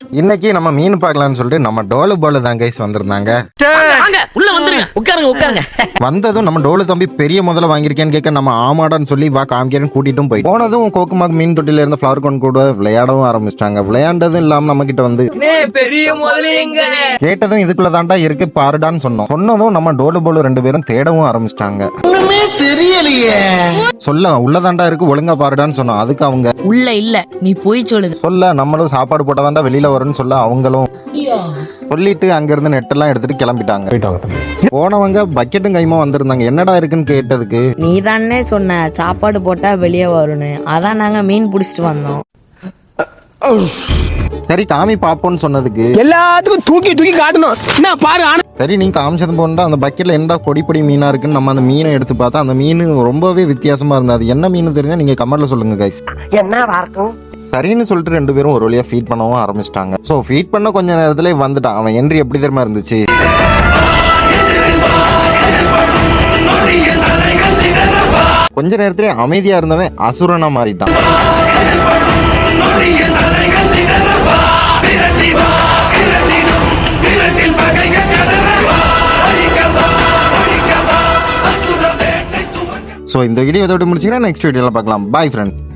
இன்னைக்கு நம்ம மீன் பார்க்கலாம்னு சொல்லிட்டு நம்ம டோலு போல தான் கைஸ் வந்திருந்தாங்க. உள்ள வந்துருங்க, உட்காருங்க உட்காருங்க. வந்ததும் நம்ம டோலு தம்பி பெரிய முதல்ல வாங்கியிருக்கேன்னு கேட்க நம்ம ஆமாடான்னு சொல்லி வா காமிக்கிறேன்னு கூட்டிட்டும் போய் போனதும் கோக்குமாக்கு மீன் தொட்டில இருந்த ஃபிளவர் கோன் கூட விளையாடவும் ஆரம்பிச்சிட்டாங்க. விளையாண்டதும் இல்லாம நம்ம கிட்ட வந்து பெரிய முதல்ல எங்க கேட்டதும் இதுக்குள்ள தாண்டா இருக்கு பாருடான்னு சொன்னதும் நம்ம டோலு போல 2 பேரும் தேடவும் ஆரம்பிச்சிட்டாங்க. தெரியலையே சொல்ல உள்ளதாண்டா இருக்கு ஒழுங்கா பாருடான்னு சொன்னோம். அதுக்கு அவங்க உள்ள இல்ல நீ போய் சொல்லுது சொல்ல நம்மளும் சாப்பாடு போட்டாதாண்டா வெளியில வரும்னு சொல்ல அவங்களும் சொல்லிட்டு அங்க இருந்து நெட்டெல்லாம் எடுத்துட்டு கிளம்பிட்டாங்க. போனவங்க பக்கெட்டும் கைமா வந்திருந்தாங்க. என்னடா இருக்குன்னு கேட்டதுக்கு நீ தானே சொன்ன சாப்பாடு போட்டா வெளியே வரும்னு, அதான் நாங்க மீன் பிடிச்சிட்டு வந்தோம். சரி காமி பாப்போன்னு சொன்னதுக்கு எல்லாத்துக்கும் தூக்கி தூக்கி காட்டணும். என்ன பாரு சரி நீ காமிச்சது போனா அந்த பக்கெட்ல என்னடா பொடி மீனா இருக்குன்னு நம்ம அந்த மீனை எடுத்து பார்த்தா அந்த மீன் ரொம்பவே வித்தியாசமா இருந்தது. அது என்ன மீன் தெரிஞ்சா நீங்க கமெண்ட்ல சொல்லுங்க கைஸ். என்ன இருக்கும்? சரின்னு சொல்லிட்டு 2 பேரும் ஒரு வழியா ஃபீட் பண்ணவும் ஆரம்பிச்சிட்டாங்க. ஸோ ஃபீட் பண்ண கொஞ்ச நேரத்துல வந்துட்டான். அவன் என்ட்ரி எப்படி தெரியுமா இருந்துச்சு, கொஞ்ச நேரத்திலே அமைதியா இருந்தவன் அசுரனா மாறிட்டான். ஸோ இந்த வீடியோ இதோட முடிச்சுக்கிறேன். நெக்ஸ்ட் வீடியோல பார்க்கலாம். Bye friend.